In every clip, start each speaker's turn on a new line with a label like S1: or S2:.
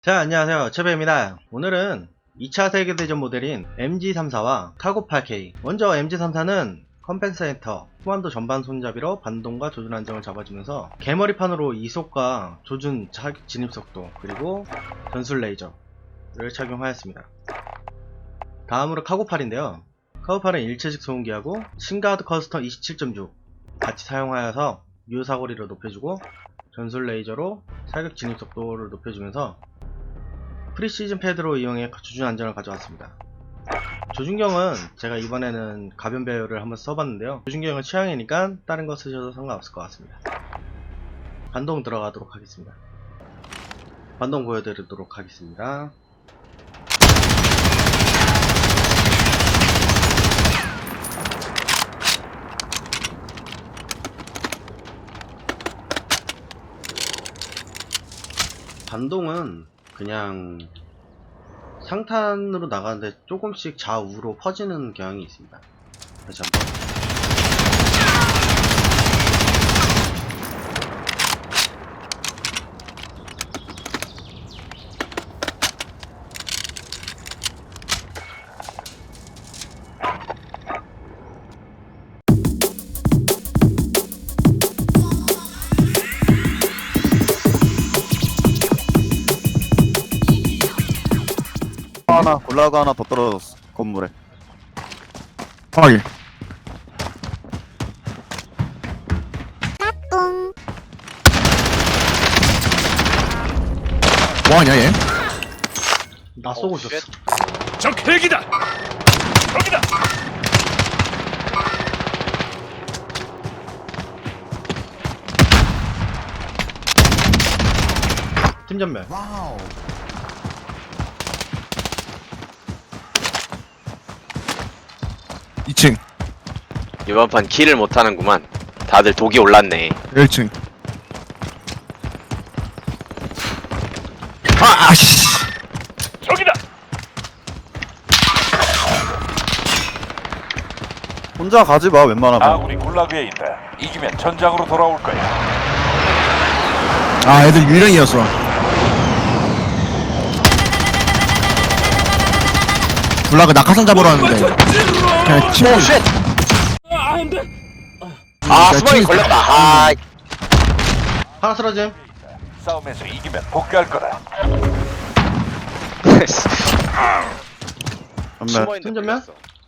S1: 자, 안녕하세요. 최배입니다. 오늘은 2차 세계대전 모델인 MG34와 카고8K. 먼저 MG34는 컴pen세이터, 후반도 전반 손잡이로 반동과 조준 안정을 잡아주면서 개머리판으로 이속과 조준 진입속도 그리고 전술 레이저를 착용하였습니다. 다음으로 카고8인데요. 카고8은 일체식 소음기하고 신가드 커스텀 27.6 같이 사용하여서 유효사거리를 높여주고 전술 레이저로 사격 진입속도를 높여주면서 프리시즌 패드로 이용해 조준 안정을 가져왔습니다. 조준경은 제가 이번에는 가변 배열을 한번 써봤는데요. 조준경은 취향이니까 다른 거 쓰셔도 상관없을 것 같습니다. 반동 들어가도록 하겠습니다. 반동 보여드리도록 하겠습니다. 반동은 그냥 상탄으로 나가는데 조금씩 좌우로 퍼지는 경향이 있습니다. 다시 한번.
S2: 골라가 하나 더 떨어졌어 건물에.
S3: 확인. 뭐하냐 얘?
S1: 나 쏘고 있었어.
S4: 적 헬기다! 저기다!
S1: 팀 전멸.
S3: 와우. (2층)
S5: 이번 판 킬을 못하는구만. 다들 독이 올랐네.
S3: 1층. 아씨.
S4: 저기다!
S2: 혼자 가지마 웬만하면.
S4: 아군이 굴라그에 있다. 이기면 전장으로 돌아올 거야.
S3: 아 애들 유령이었어. 블락을 낙하산 잡으러 왔는데 그냥 치고.
S5: 아, 수박이 걸렸다. 아,
S1: 하나 쓰러짐.
S4: 싸움에서 이기면 복귀할 거다.
S2: 전멸.
S1: 팀 전멸?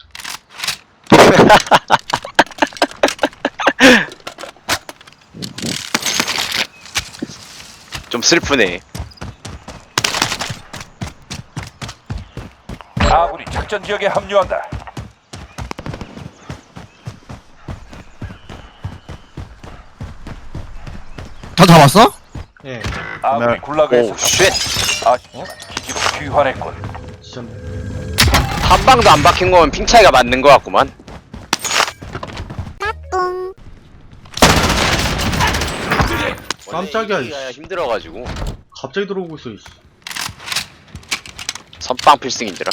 S5: 좀 슬프네.
S4: 아군이 작전 지역에 합류한다.
S3: 다 잡았어?
S1: 예.
S4: 아군이 굴라그에서
S5: 오, 쉣.
S4: 아쉽지만 기지로 귀환했군.
S1: 지점.
S5: 한 방도 안 박힌 거면 핑 차이가 맞는 거 같구만.
S1: 깜짝이야,
S5: 원래 이기기가 힘들어가지고
S1: 갑자기 들어오고 있어. 이씨.
S5: 선빵 필승인지라.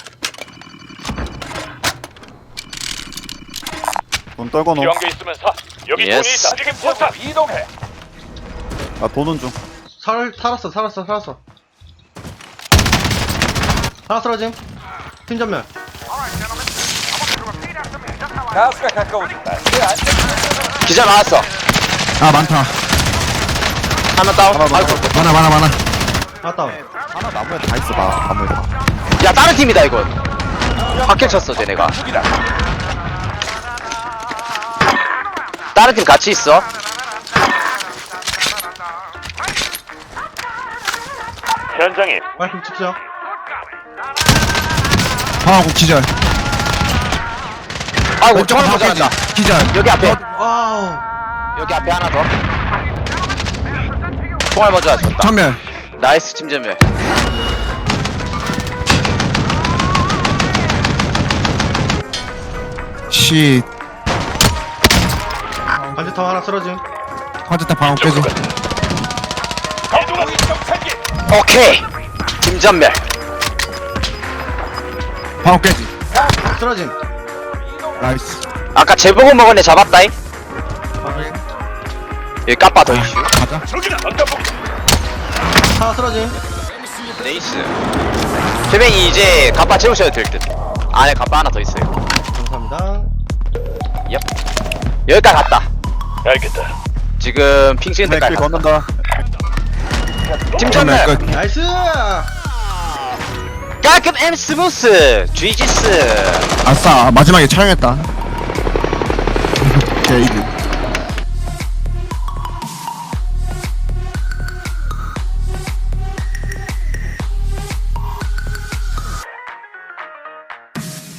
S2: 돈 떨궈 놓.
S4: 연계 있으면 사. 여기 돈이
S5: 예스.
S4: 있다. 지금 포탑 이동해.
S2: 아 돈은 좀.
S1: 살았어. 하나 쓰러짐. 팀 전멸.
S4: 가스가 가까워진다. 내 안전.
S5: 기자 나왔어.
S3: 아 많다.
S5: 하나 다운.
S2: 하나
S5: 아이고.
S3: 많아.
S1: 하나 다운.
S2: 하나 나무에 다 있어 나 나무에 다.
S5: 야, 다른 팀이다 이건. 확킬 쳤어 쟤네가.
S4: 죽이다.
S5: 다른 팀 같이 있어.
S4: 현장에
S1: 말씀 찍죠.
S3: 방하고 기절.
S5: 아이고, 총알 모자란다.
S3: 기절.
S5: 여기 앞에.
S1: 와우.
S5: 여기 앞에 하나 더. 총알 먼저 줬다.
S3: 전멸.
S5: 나이스 팀전멸.
S3: 씨.
S1: 관제탑 하나 쓰러짐.
S3: 화제타 방어 깨지.
S4: 이동하기 정찰기.
S5: 오케이. 팀전멸.
S3: 방어 깨지.
S1: 쓰러짐.
S3: 나이스.
S5: 아까 재보고 먹은 애 잡았다잉.
S1: 확인.
S5: 여기 까빠 더 이슈.
S3: 가자.
S4: 저기다. 언더북.
S1: 하나 쓰러짐.
S5: 네이스. 최뱅이 이제 갑바 채우셔도 될 듯. 안에 갑바 하나 더 있어요.
S1: 감사합니다.
S5: 여기까지 갔다.
S4: 알겠다.
S5: 지금 핑 찍은
S2: 길
S5: 데까지 갔다.
S2: 걷는다.
S5: 팀 전멸.
S1: 나이스!
S5: 깔끔 엠 스무스. GG스.
S3: 아싸 마지막에 촬영했다. 게이드